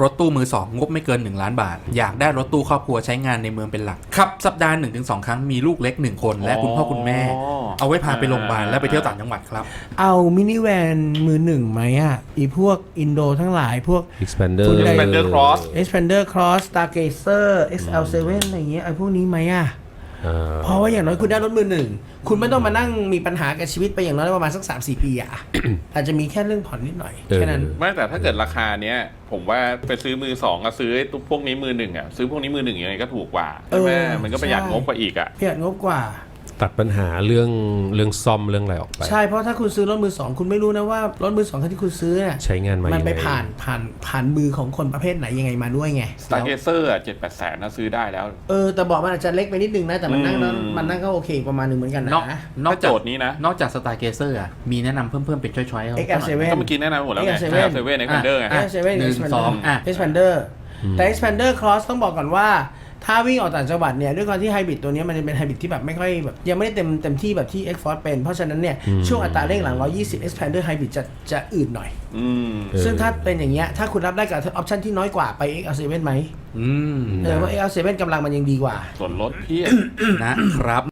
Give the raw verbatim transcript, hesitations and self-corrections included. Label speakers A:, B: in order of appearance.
A: รถตู้มือสองงบไม่เกินหนึ่งล้านบาทอยากได้รถตู้ครอบครัวใช้งานในเมืองเป็นหลักขับสัปดาห์ หนึ่งถึงสอง ครั้งมีลูกเล็กหนึ่งคนและคุณพ่อคุณแม่เอาไว้พาไปโรงพยาบาลและไปเที่ยวต่างจังหวัดครับ
B: เอามินิแวนมือหนึ่งไหมอ่ะอีพวกอินโดทั้งหลายพวก
C: Expander
D: Expander Cross
B: Expander Cross Stargazer เอ็กซ์ แอล เซเว่น อะไรอย่างเงี้ยไอ้พวกนี้ไหมอ่ะเพราะว่าอย่างน้อยคุณได้รถมือหนึ่งคุณไม่ต้องมานั่งมีปัญหากับชีวิตไปอย่างน้อยประมาณสัก สามสี่ ปีอ่ะ อาจจะมีแค่เรื่องผ่อนนิดหน่อยแค่นั้น
D: ไม่แต่ถ้าเกิดราคาเนี้ยผมว่าไปซื้อมือสองกับซื้อพวกนี้มือหนึ่งอ่ะซื้อพวกนี้มือหนึ่งยังไงก็ถูกกว่าใช่ไหมมันก็ประหยัดงบกว่าอีกอ่ะ
B: ประหยัดงบกว่า
C: ตัดปัญหาเรื่องเรื่องซ่อมเรื่องอะไรออกไป
B: ใช่เพราะถ้าคุณซื้อรถมือสองคุณไม่รู้นะว่ารถมือสองคันที่คุณซื้อเนี่ย
C: ใช้งานมา
B: มันไปผ่านผ่านผ่านมือของคนประเภทไหนยังไงมาด้วยไง
D: Stargazer อ่ะ เจ็ดแปด แสนนะซื้อได้แล้ว
B: เออแต่บอกมันอาจจะเล็กไปนิดนึงนะแต่มันนั่งมันนั่งก็โอเคประมาณนึงเหมือนกันนะ
A: นอกจาก
D: โจทย์นี้นะ
A: นอกจาก Stargazer อ่ะมีแนะนำเพิ่มๆเป็นช้อยๆ
B: เอ็กซ์ แอล เซเว่น
D: ก็เมื่อกี้แนะนำหมดแล้วไง
B: เอ็กซ์ แอล เซเว่น
D: เอ็กซ์ แอล เซเว่น Expander ไง
B: เอ็กซ์ แอล เซเว่น
A: หนึ่งสองอ่ะ
B: Expander แต่ Expander Cross ต้องบอกก่อนว่าถ้าวิ่งออกต่างจังหวัดเนี่ยด้วยความที่ไฮบริดตัวนี้มันจะเป็นไฮบริดที่แบบไม่ค่อยแบบยังไม่ได้เต็มเต็มที่แบบที่ X-Force เป็นเพราะฉะนั้นเนี่ยช่วงอัตราเร่งหลังหนึ่งร้อยยี่สิบ Expander Hybrid จะจะอืดหน่อยซึ่งถ้าเป็นอย่างเงี้ยถ้าคุณรับได้กับออปชั่นที่น้อยกว่าไป เอ็กซ์ แอล เซเว่น ไหมเออว่า เอ็กซ์ แอล เซเว่น กำลังมันยังดีกว่า
D: ส่วนลดเพี้ย
A: นะครับ